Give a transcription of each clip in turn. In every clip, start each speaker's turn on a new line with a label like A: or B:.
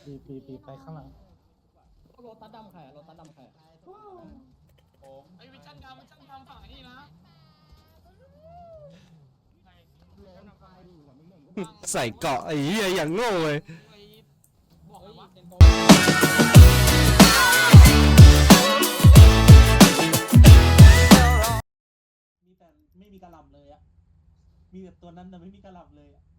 A: ปีไปข้างหลัง
B: โรตัสดำใครโรตัสดำใคร
C: ไอ้วิชั่นดำฝั่งนี้นะ
D: ใส่เกาะไอ้เหี้ยอย่างโง่เลย
C: บอกเลยว่า
A: มีแต่ไม่มีกระหล่ำเลยอะมีแต่ตัวนั้นแต่ไม่มีกระหล่ำเลยอะ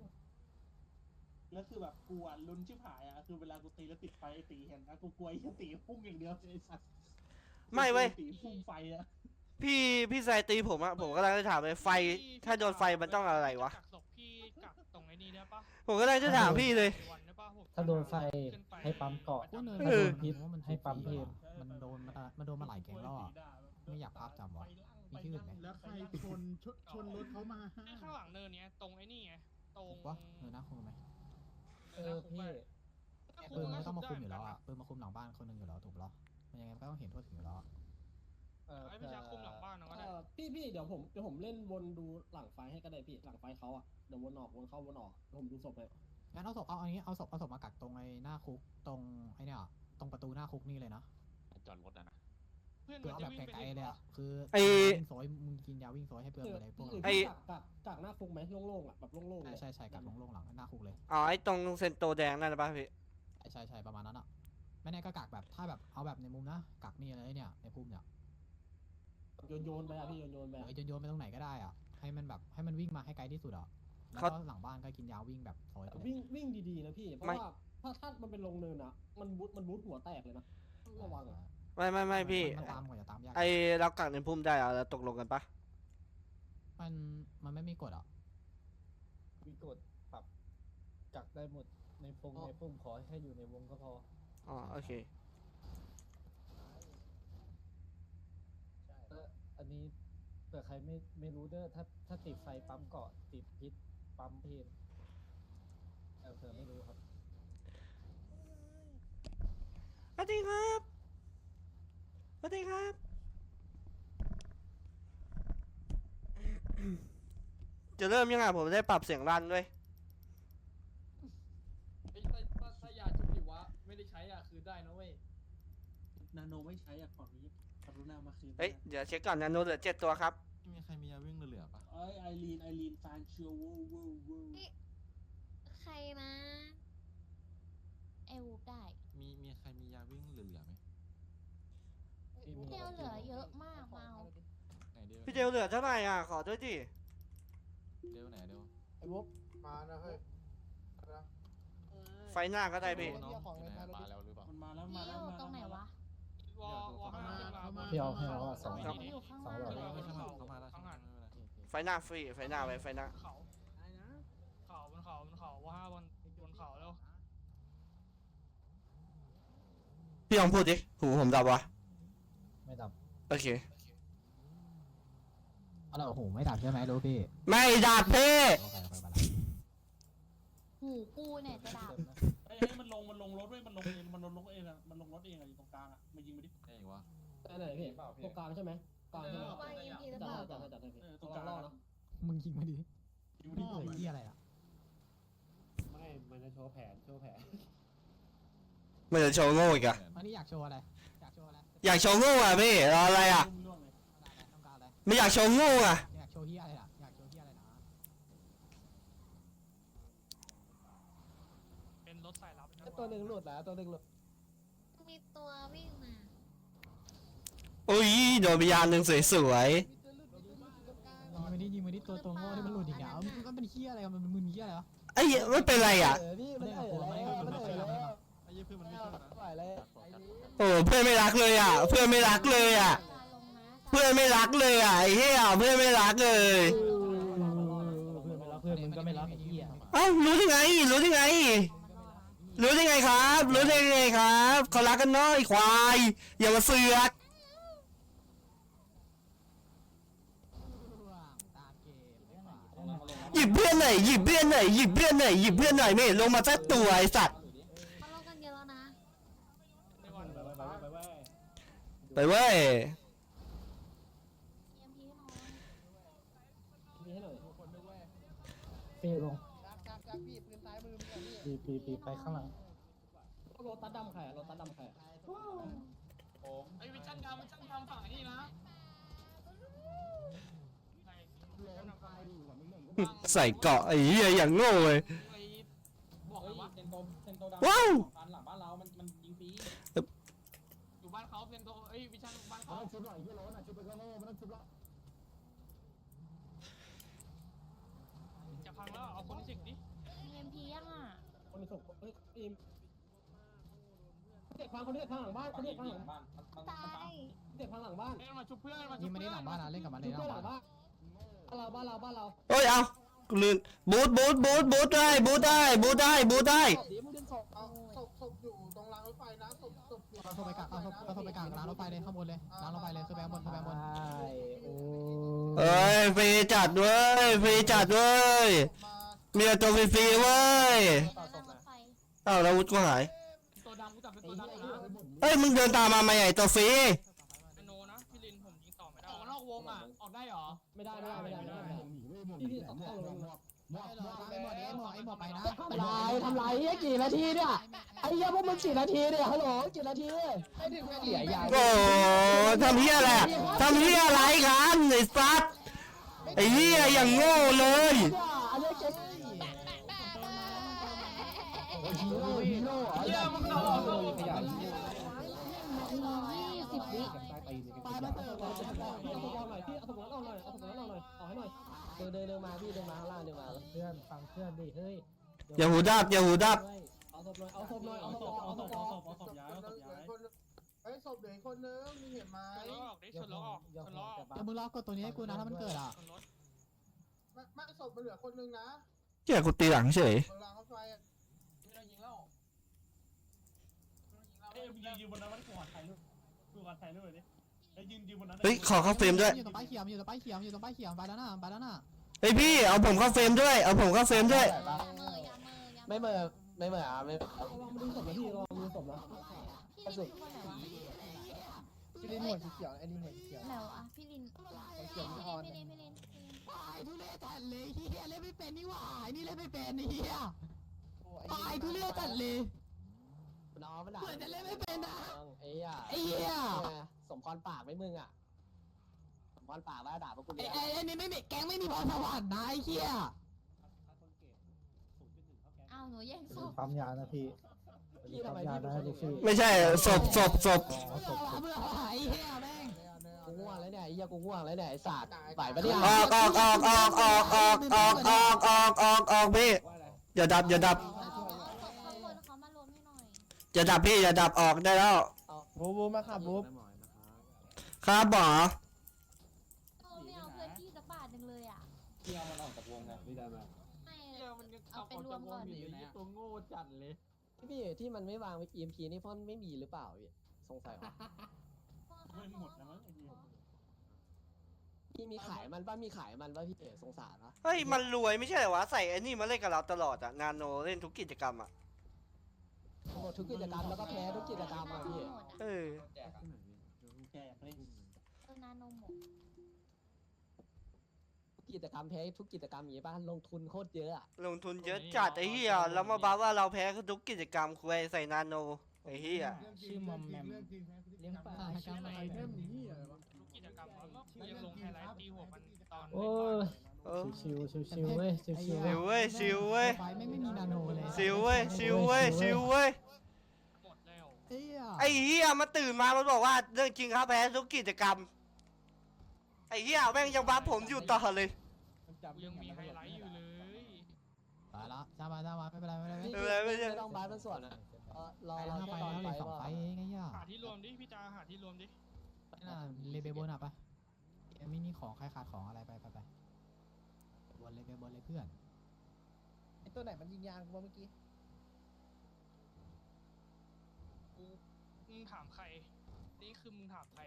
A: แล้วคือแบบกลัวลุ้นชิบหายอะคือเวลากูตีแล้วติดไฟไอ้ตีเห็นนะกูกลัวไอ้ตีพุ่งอย่างเดียวไอ้สัตว์
D: ไม่เว้ย
A: ตีพุ่งไฟอะ
D: พี่ใส่ตีผมอะผมก็เลยจะถามเลยไฟถ้าโดนไฟมันต้องอะไรวะ
C: กักศพพี่กักตรงไอ้นี่ได้ปะ
D: ผมก็เลยจะถามพี่เลย
E: ถ้าโดนไฟให้ปั๊มเกาะ
C: ถ้า
E: ถ้าโดนพิษให้ปั๊มเพน
F: มันโดนมาหลายแกงแล้วอ่ะไม่อยากภาพจำวะมีที่อื่นไหม
G: แล้วใครชนรถเขามาฮะ
C: ข้างหลังเนินเนี้ยตรงไอ้นี่ไงตรง
F: วะน่าคุมไหม
E: พี่
F: ปืนมันไม่ต้องมาคุมอยู่แล้วอ่ะปืนมาคุมหลังบ้านคนหนึงอยู่แล้วถูกปะมันยังไงก็ต้องเห็นทั่วถึงอยู่แล้ว
C: ไอ้พี่ชาคุมหลังบ้านนะก็ได้
B: พี่เดี๋ยวผมเล่นวนดูหลังไฟให้ก็ได้พี่หลังไฟเขาอะเดี๋ยววนออกวนเข้าวนออกผมดูศพเลย
F: งั้นเอาศพเอาศพมากักตรงไอ้หน้าคุกตรงไอ้เนี่ยตรงประตูหน้าคุกนี่เลยนะ
H: จอดรถนะ
C: เพื่อน
F: คือ
C: มัน
F: เอา
C: จะ
F: แบบ
C: วิ่ง
F: ไก
C: ไป
F: ลๆเลยอ่ะคือ
D: ไอ้
F: วิ่งโซยมึงกินยาวิ่งโซยให้เปลืองอะไรพวก
B: หรือ
F: นั้น
D: ไอ้
B: พี่กักหน้าฟุกไหมโล่งๆอะแบบโล่งๆเลย
F: ใช่กักลงหลังหน้าคุกเลย
D: อ๋อไอ้ตรงเซนโตแดงนั่นนะป่ะพี่
F: ใช่ประมาณนั้นอ่ะไม่แน่ก็กักแบบถ้าแบบเอาแบบในมุมนะกักนี่เลยเนี่ยในพุ่มเนี่ย
B: โยนไปอะพี่โยนไป
F: โยนไปตรงไหนก็ได้อ่ะให้มันแบบให้มันวิ่งมาให้ไกลที่สุดอ่ะแล้วก็หลังบ้านก็กินยาวิ่งแบบโซยไปเลย
B: วิ่งดีๆนะพี่เพราะว่าถ้ามันเป็นลงเนินอะมันบูทหัวแตกเลยนะระวังอะ
D: ไม่พี่
F: มันตามกว่าจะตามยาก
D: ไอ้เรากักในพุ่มได้เหรอเราตกลงกันปะ
F: มันไม่มีกฎอ่ะ
E: มีกฎปรับกักได้หมดในพุ่มขอแค่อยู่ในวงก็พอ
D: อ๋อโอเค
E: อันนี้เผื่อใครไม่รู้เด้อถ้าติดไฟปั๊มเกาะติดพิษปั๊มเพนเผื่อไม่รู้ครับ
D: สวัสดีครับสวัสดีครับจะเริ่มยังไงผมได้ปรับเสียงรันด้วย
B: ถ้ายาชุบดิวะไม่ได้ใช้อ่ะคือได้นะเว้ย
A: นาโนไม่ใช้อะของนี้กรุณามาคืน
D: เฮ้ยเดี๋ยวเช็คก่อนนะโน้ตเหลือ7 ตัวครับ
H: มีใครมียาวิ่งเหลือๆปะ
A: ไอรีนฟานเชียววู
I: ใครนะไอวูบได้
H: มีใครมียาวิ่งเหลือๆไหม
I: เที่ยวเหลือเยอะมากเมา
H: ไหนเดียว
D: พี่เจลเหลือเท่าไหร่อ่ะขอด้วยดิ
H: เดียวไหนเดียว
G: ไอ้บุ๊บมานะเฮ้ย
D: ไฟหน้าก็ได้พี่
H: น้องอยู่ไหนมาแล้วหรือเปล่า
A: มันมาแล้ว
I: พี่
A: มา
I: อ
A: แล้ว
I: ยู่
A: มา
I: ตรงไหนวะ
C: วอข้างหน้า
E: พี่เอาให้เราอะสอง
I: อยู่ข้างล่าง
E: สองหลอด
I: เลย
H: เขามาแล้ว
C: ข้างหลัง
D: ไฟหน้าฟรีไฟหน้าไว้ไฟหน้า
C: เขาบนเขาว่าบนเขาแล้ว
D: พี่ลองพูดดิหูผมดับวะ
E: ไม่ดับ
D: โอเค
F: เอาละโอ้โหไม่ดับใช่ไหมรู้พี่
D: ไม่ดับพี่
F: โอเคไปละ
I: หูกูเนี่ยจะดับ
A: เฮ้ยมันลงรถเว้ยมันลงเองมันลงรถเองอะอยู่ตรงกลางอะมายิงไปดิ
H: ไอ้วะ
B: ไหนพี่ตรงกลางใช่ไหมกลางใช่ไหม
I: ว่ายิงทีหรือ
B: จั
I: เปล่า
B: ดให้พี่
A: ตรงกลาง
B: รอนะ
F: มึงยิงมาดิ
A: ยิงไปดิ
F: เฮ้ยเหี้ยอะไรอ่ะ
E: ไม่มันจะโชว์แผน
D: มันจะโชว์โง่อีกอะ
F: อันนี้อยากโชว์อะไรอยากโชว์อะไร
D: อยากโชว์โง่อะพี่รออะไรอะ
A: ล่วงเลย
F: ต้องการอะไร
D: ไม่อยากโชว์โง่อะ
F: อยากโชว์เหี้ยอะไรล่ะอยากโชว์เหี้ยอะไรนะ
C: เป็นรถสายลับ
B: ตัวหนึ่งหลุดแล้วตัวหนึ่งหลุด
I: มีตัววิ่งมา
D: อุ้ยโดนไปยานหนึ่งสวย
F: ยิงมาดิตัวโง่ที่มันหลุดอีกอ่ะมันเป็นเหี้ยอะไรมันมึนเหี้ยอะไรวะ
D: ๆไอ้ยไม่เป็นไรอะ
B: พี่มันแล้ว
H: ไอ้ยี่เพื่อนมันไม่ชอบนะ
B: ไหวเลย
D: โอ้เพื่อนไม่รักเลยอะเพื่อนไม่รักเลยอะ
I: ลาลงนะ
D: เพื่อนไม่รักเลยอะไอ้เหี้ยเพื่อนไม่รักเลย
E: เพื่อนมึงก็ไม่รับไอ้เหี้ย
D: เอ้ารู้ได้ไงรู้ได้ไง รู้ได้ไงครับรู้ได้ไงครับเขารักกันเนาะไอ้ควายอย่ามาเสือก
F: ตามเกม
D: หยิบเพื่อนหน่อยหยิบเพื่อนหน่อยหยิบเพื่อนหน่อยหยิบเพื่อนหน่อยไม่เห็นลงมาสักตัวไอ้สัตว์
I: เขาลงกันเยอะแล้วนะ
C: ในวัน
D: ไปเว้ย
I: เยี่ยมพี่น้อง
B: มีให้หน่อย
E: พี่ลง
G: จักพี่ปืนซ้ายมือมึง
E: ปีไปข้างหลัง
B: โรตัสดำใครโรตัสดำใคร
C: ไอ้วิชันดำฝั่งนี่นะ
D: ใส่เกาะไอ้เหี้ยอย่างโง่เลย
C: บอกเลยว่า
B: เซนโตดำ
D: ว้าว
B: หลังบ้านเรามันยิงฟรี
C: อยู่บ้านเขาเป็นตัววิชันบ้านเขา
E: ชุบหน่อยเฮียโรนอ่ะชุบไปก็โง่ไม่ต้องชุบละ
C: จะพังแล้วเอาคนที่สิกดิ
I: มีเอ็มพียังอ่ะ
B: คนส่งอิมเด็กพังคนเด็กพังหลังบ้านคนเด็กพังหลังบ้าน
I: ตาย
B: เด็กพังหลังบ้าน
C: เล่นมาชุบเพื่อนมา
F: ยิ
C: ชุ
F: ง
C: บ
F: ไม่
C: เพื่
F: ได้
C: อน
F: หลังบ้านนะเล่นกับมันใน
B: ดู
F: หลั
B: เพื่อน
F: ง
B: หลั
F: บ้าง น
B: บ้านบ้านเรา
D: เอ้ยเอากูลืมบูทได้บูทได้
G: เอาศพอยู่ตรงรางรถไฟนะศพอยู่
F: เอาโทรไปกลางเอาโทรไปกลางร้านรถไฟเลยข้างบนเลยร้านรถไฟเลยคือแบงบนคือแบงบน
E: โอ้
D: เอ้ยฟรีจัดเว้ยฟรีจัดเว้ย
G: มา
D: มีแต่ตัวฟรีๆเว้ย
I: แล้วนั่งรถไฟ
D: อ้าวแล้ววุฒิกูหาย
C: ตัวดำกูจับเป็นตัวดำนะ
D: เอ้ยมึงเดินตามมาไหมไอ้ตัวฟรี
C: โนนะพี่ลินผมยิงต่อไม่ได้ออกนอกวงอ่ะออกได้หรอ
B: ไม่ได้ที่ต้องเข้าลง
F: ไอ้หมดไปนะ
B: ทำไรกี่นาทีเนี่ยไอ้เหี้ยพวกมึงกี่นาทีเนี่ยฮัลโหลกี่นาทีเสียยา
D: โอ้ทำเหี้ยอะไรทำเหี้ยอะไรกันไอ้สัสไอ้เหี้ยอย่างโง่เลย
B: อันนี้เจ๊ฮีโร่
C: เยี่ยมมึงเอา
B: ขยัน
I: 20 วิ
B: ไปมาเติมเอาสมองหน่อยพี่เอาสมองเอาหน่อยเอาสมองเอาหน่อยเอาให้หน่อยเดินมาพี่เดินมาข้างล่างเดินมา
E: เพื่อนฟังเพื่อนดิเฮ้ย
D: อย่าหูดับอย่าหูดับ
B: เอาศพหน่อยเอาศพหน่อยเอาศพเอาศพเอาศพ
A: ย้ายเอาศพย้าย
G: เฮ้ยศพเหลืออีกคนนึงมีเห็นไหม
C: ชนล้อออกดิชนล้อออกชนล้อออก
F: มึงล็อกกดตัวนี้ให้กูนะถ้ามันเกิดอ่ะ
C: ชนรถ
G: ไม่ศพมันเหลือคนนึงนะ
D: เหี้ยกูตีหลังเฉย
G: ตรงรางรถไฟอ่ะ
C: ไม่ต้องยิงแล้ว
A: เอ้ยยืนบนนั้นมันขวานไทยด้วยดูขวานไทยด้วยดิไอ้ยืนบนนั้น
D: เฮ้ยขอเข้าเฟรมด้วย
F: อยู่ตรงป้ายเขียวอยู่ตรงป้ายเขียวอยู่ตรงป้ายเขียวไปแล้วนะไปแล้วนะ
D: เฮ้ยพี่เอาผมเข้าเฟรมด้วยเอาผมเข้าเฟรมด้วย
I: อย่าเมออย่าเมออย่าเมอ
B: ไม่เหม่อไม่เหม่ออ่ะไม่ลองมาดูศพนะพี่ลองมาดูศพนะ
I: พี่ลินคือคนไหนวะ
G: พี่ลินหัวสีเขียวไอ้ลินหัวสีเขียว
I: ไหนวะพี่ลินพี่ลิน
F: ทุเรศจัดเลยเฮียเล่นไม่เป็นนี่หว่านี่เล่นไม่เป็นเฮียตายทุเรศจัดเลย
B: น้องมันด่า
F: เหมือนจะเล่นไม่เป็นนะ
B: ไอ้เหี้ย
F: ไอ้เหี้ย
B: สมพรปากไม่มึงอ่ะสมพรปากแล้วด่าพวกกู
F: ไอ้นี่ไม่มีแก๊งไม่มีพรสวรรค์นะไอ้เฮีย
I: อ้าวหนูแย่งศพ
E: ปั๊มยานะพี่
B: พี่ทำไม
E: ยา
B: พี่
E: นะลูกพี่
D: ไม่ใช่ศพ
F: เมื่อไหร่เฮียแม่ง
B: กูง่วงแล้วเนี่ยไอ้เหี้ยกูง่วงแล้วเนี่ยไอ้สัตว์ไหวปะเนี่ย
D: ออกพี่อย่าดับ
I: ข้างบนเขามารวมให้หน่อย
D: อย่าดับพี่อย่าดับออกได้แล้ว
E: บูมาขับบู
D: ครับหมอ
I: ไม่เอาเพื่อนพี่สักบาทหนึ่งเลยอ่ะ
B: พี่เอามันออกจากวงไงพี่ได้ไหม
I: ไม่
C: เยี่ยมันยัง
I: เอาไปรวมก่อน
C: อยู่ไหนตัวโง่จัดเลย
B: พี่ที่มันไม่วาง EMP นี่เพราะมันไม่มีหรือเปล่าพี่สงสัยวะ
A: ไม่หมดนะมั้งไอ้ยืน
B: พี่มีขายมันป่ะมีขายมันป่ะพี่สงสารนะ
D: เฮ้ยมันรวยไม่ใช่เหรอวะใส่ไอ้นี่มาเล่นกับเราตลอดอะนาโนเล่นทุกกิจกรรมอะ
B: หมดทุกกิจกรรมแล้วก็แพ้ทุกกิจกรรมอ่ะพี่
I: หมด
D: เออ
A: แจกเลย
I: นาโนหมด
B: กิจกรรมแพ้ทุกกิจกรรมอย่างงี้ป่ะลงทุนโคตรเยอะอ่ะ
D: ลงทุนเยอะจัดไอ้เหี้ยแล้วมาบ้าว่าเราแพ้ทุกกิจกรรมคุยใส่นาโนไอ้เหี้ย
E: ชื่อมอมแมมเลี้ยงปลาชื่ออะไรเริ่มนี้อะไรวะ
C: ทุกกิจกรรมแล้วก็ยังลงไฮไลท์ตีหัวมันตอน
E: โอ้ย
D: เออ
E: ชิวเว้ยชิว
D: ชิวเว้ยชิวเว้ย
F: ไฟไม่มีนาโนเลย
D: ชิวเว้ยชิวเว้ยชิวเว้ย
C: หมดแล้ว
F: เฮีย
D: ไอ้เหี้ยมาตื่นมามันบอกว่าเรื่องจริงครับแพ้ทุกกิจกรรมไอ้เหี้ยแม่งยังบัฟผมอยู่ต่อเลย
C: กูยังมีไฮไลท์อยู่เลย
F: ไปละจ้ามาไม่เป็นไรไม่เป็นไร
B: ไม่ต้องบาสมันส่วนอ่ะรอ
F: ไป
B: เรา
F: แล้ว
B: แค่
F: ไป
B: ตอน
F: แล้ว
B: ไป
F: เลยสอง
B: ว่า
F: ไฟเองไอ้ย่า
C: หาที่รวมดิพี่จาหาที่รวมดิ
F: น่าเลเบลบนอ่ะไปไม่มีของใครขาดของอะไรไปบนเลยเพื่อน
G: ไอ้ตัวไหนมันยิงยางกูเมื่อกี้
C: กูมึงถามใครนี่คือมึงถามใคร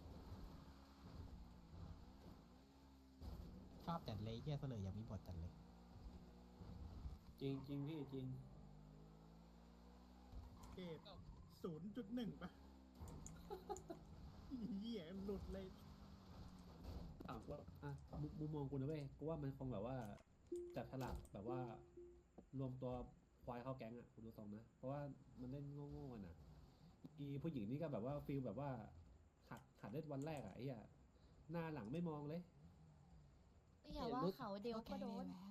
F: ชอบจัดเลยเฮียเสลยอยากมีบทจัดเลย
B: จริงพี่จริง
G: เกต0.1 ป่ะเหี้ยหลุดเลย
B: ถามว่ามุมมองกูนะเว้ยกูว่ามันคงแบบว่าจัดฉลากแบบว่ารวมตัวควายเข้าแก๊งอ่ะกูดูตรงนะเพราะว่ามันเล่นโง่อีผู้หญิงนี่ก็แบบว่าฟิลแบบว่าขัดเล่นวันแรกอ่ะไอ้เหี้ยหน้าหลังไม่มองเลย
I: อย่าว่าเขาเดียวก็โดน
F: แล้ว